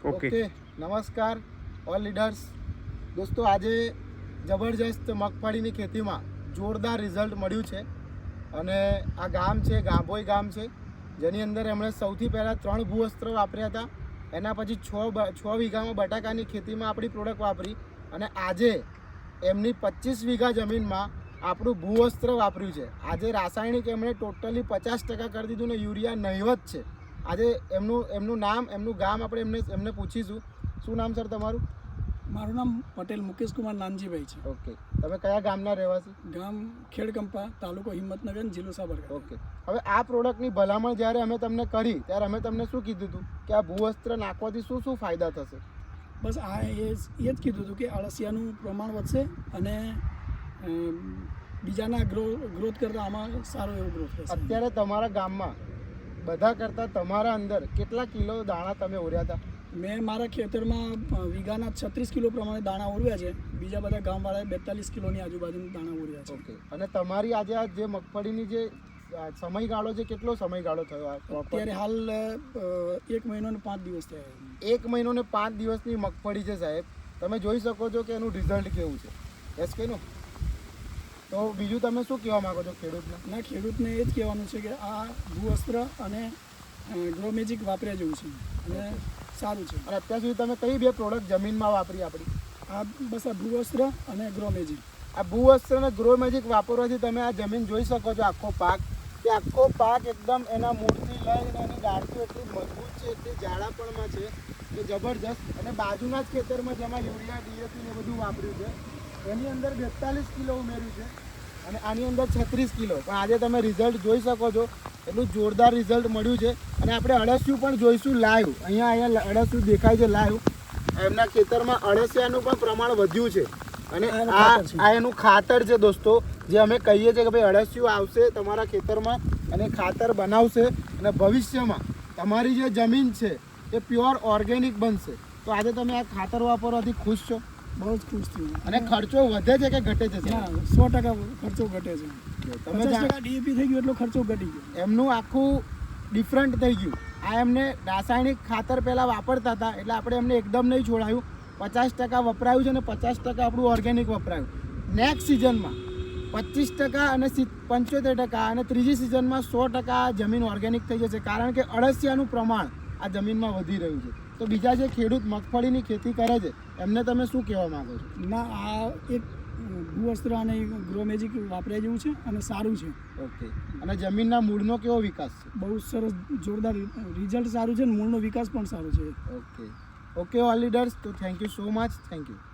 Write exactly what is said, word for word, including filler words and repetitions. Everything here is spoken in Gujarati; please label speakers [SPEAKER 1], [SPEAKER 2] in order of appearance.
[SPEAKER 1] ઓકે
[SPEAKER 2] નમસ્કાર ઓલ લીડર્સ દોસ્તો, આજે જબરજસ્ત મગફળીની ખેતીમાં જોરદાર રિઝલ્ટ મળ્યું છે અને આ ગામ છે ગાભોઈ ગામ છે, જેની અંદર એમણે સૌથી પહેલાં ત્રણ ભૂવસ્ત્ર વાપર્યા હતા. એના પછી છ છ વીઘામાં બટાકાની ખેતીમાં આપણી પ્રોડક્ટ વાપરી અને આજે એમની પચીસ વીઘા જમીનમાં આપણું ભૂવસ્ત્ર વાપર્યું છે. આજે રાસાયણિક એમણે ટોટલી પચાસ ટકા કરી દીધું ને યુરિયા નહિવત છે. આજે એમનું એમનું નામ એમનું ગામ આપણે એમને એમને પૂછીશું. શું નામ સર તમારું?
[SPEAKER 3] મારું નામ પટેલ મુકેશ કુમાર નાનજીભાઈ છે.
[SPEAKER 2] ઓકે, તમે કયા ગામના રહેવાસી?
[SPEAKER 3] ગામ ખેડકંપા, તાલુકો હિંમતનગર, જિલ્લો સાબરકાંઠા.
[SPEAKER 2] ઓકે, હવે આ પ્રોડક્ટની ભલામણ જ્યારે અમે તમને કરી ત્યારે અમે તમને શું કીધું હતું કે આ ભૂવસ્ત્ર નાખવાથી શું શું ફાયદા થશે?
[SPEAKER 3] બસ આ એ એ જ કીધું હતું કે અળસિયાનું પ્રમાણ વધશે અને બીજાના ગ્રો ગ્રોથ કરતાં આમાં સારો એવો ગ્રોથ થશે.
[SPEAKER 2] અત્યારે તમારા ગામમાં બધા કરતાં તમારા અંદર કેટલા કિલો દાણા તમે ઓર્યા હતા?
[SPEAKER 3] મેં મારા ખેતરમાં વીઘાના છત્રીસ કિલો પ્રમાણે દાણા ઓરવ્યા છે. બીજા બધા ગામવાળાએ બેતાલીસ કિલોની આજુબાજુના દાણા ઓરવ્યા છે.
[SPEAKER 2] ઓકે, અને તમારી આજે આ જે મગફળીની જે સમયગાળો છે, કેટલો સમયગાળો થયો?
[SPEAKER 3] અત્યારે હાલ એક મહિનો ને પાંચ દિવસ થયા.
[SPEAKER 2] એક મહિનો ને પાંચ દિવસની મગફળી છે સાહેબ. તમે જોઈ શકો છો કે એનું રિઝલ્ટ કેવું છે. યસ કે નો? તો બીજું તમે શું કહેવા માંગો છો ખેડૂતને?
[SPEAKER 3] ના, ખેડૂતને એ જ કહેવાનું છે કે આ ભૂવસ્ત્ર અને ગ્રો મેજિક વાપર્યા જેવું છે અને સારું છે.
[SPEAKER 2] અને અત્યાર સુધી તમે કઈ બે પ્રોડક્ટ જમીનમાં વાપરી આપણી?
[SPEAKER 3] આ બસ આ ભૂવસ્ત્ર અને ગ્રો મેજિક.
[SPEAKER 2] આ ભૂવસ્ત્ર અને ગ્રો મેજિક વાપરવાથી તમે આ જમીન જોઈ શકો છો. આખો પાક કે આખો પાક એકદમ એના મૂળથી લઈને એની ડાળીઓ એટલી મજબૂત છે, એટલી જાડાપણમાં છે કે જબરજસ્ત. અને બાજુના જ ખેતરમાં જેમાં યુરિયા ડીએપી ને બધું વાપર્યું છે, એની અંદર બેતાલીસ કિલો ઉમેર્યું છે અને આની અંદર છત્રીસ કિલો. પણ આજે તમે રિઝલ્ટ જોઈ શકો છો, એટલું જોરદાર રિઝલ્ટ મળ્યું છે. અને આપણે અળસિયું પણ જોઈશું લાઈવ. અહીંયા અહીંયા અળસિયું દેખાય છે લાઈવ. એમના ખેતરમાં અળસિયાનું પણ પ્રમાણ વધ્યું છે અને આ આ એનું ખાતર છે દોસ્તો, જે અમે કહીએ છીએ કે ભાઈ અળસિયું આવશે તમારા ખેતરમાં અને ખાતર બનાવશે અને ભવિષ્યમાં તમારી જે જમીન છે એ પ્યોર ઓર્ગેનિક બનશે. તો આજે તમે આ ખાતર વાપરવાથી ખુશ છો?
[SPEAKER 3] બહુ જ ખુશ થયું.
[SPEAKER 2] અને ખર્ચો વધે છે કે ઘટે છે?
[SPEAKER 3] ના, સો ટકા ખર્ચો ઘટે છે.
[SPEAKER 2] તમે
[SPEAKER 3] પચાસ ટકા ડીએપી થઈ ગયું એટલો ખર્ચો ઘટી ગયો.
[SPEAKER 2] એમનું આખું ડિફરન્ટ થઈ ગયું. આ એમને રાસાયણિક ખાતર પહેલાં વાપરતા હતા એટલે આપણે એમને એકદમ નહીં છોડાયું. પચાસ ટકા વપરાયું છે અને પચાસ ટકા આપણું ઓર્ગેનિક વપરાયું. નેક્સ્ટ સિઝનમાં પચીસ ટકા અને પંચોતેર ટકા અને ત્રીજી સિઝનમાં સો ટકા જમીન ઓર્ગેનિક થઈ જશે, કારણ કે અળસિયાનું પ્રમાણ આ જમીનમાં વધી રહ્યું છે. તો બીજા જે ખેડૂત મગફળીની ખેતી કરે છે એમને તમે શું કહેવા માંગો છો?
[SPEAKER 3] ના, આ એક ભૂવસ્ત્ર અને ગ્રો મેજિક વાપર્યા જેવું છે અને સારું છે.
[SPEAKER 2] ઓકે, અને જમીનના મૂળનો કેવો વિકાસ છે?
[SPEAKER 3] બહુ સરસ, જોરદાર રિઝલ્ટ સારું છે અને મૂળનો વિકાસ પણ સારો છે.
[SPEAKER 2] ઓકે ઓકે ઓલ લીડર્સ, તો thank you so much. Thank you.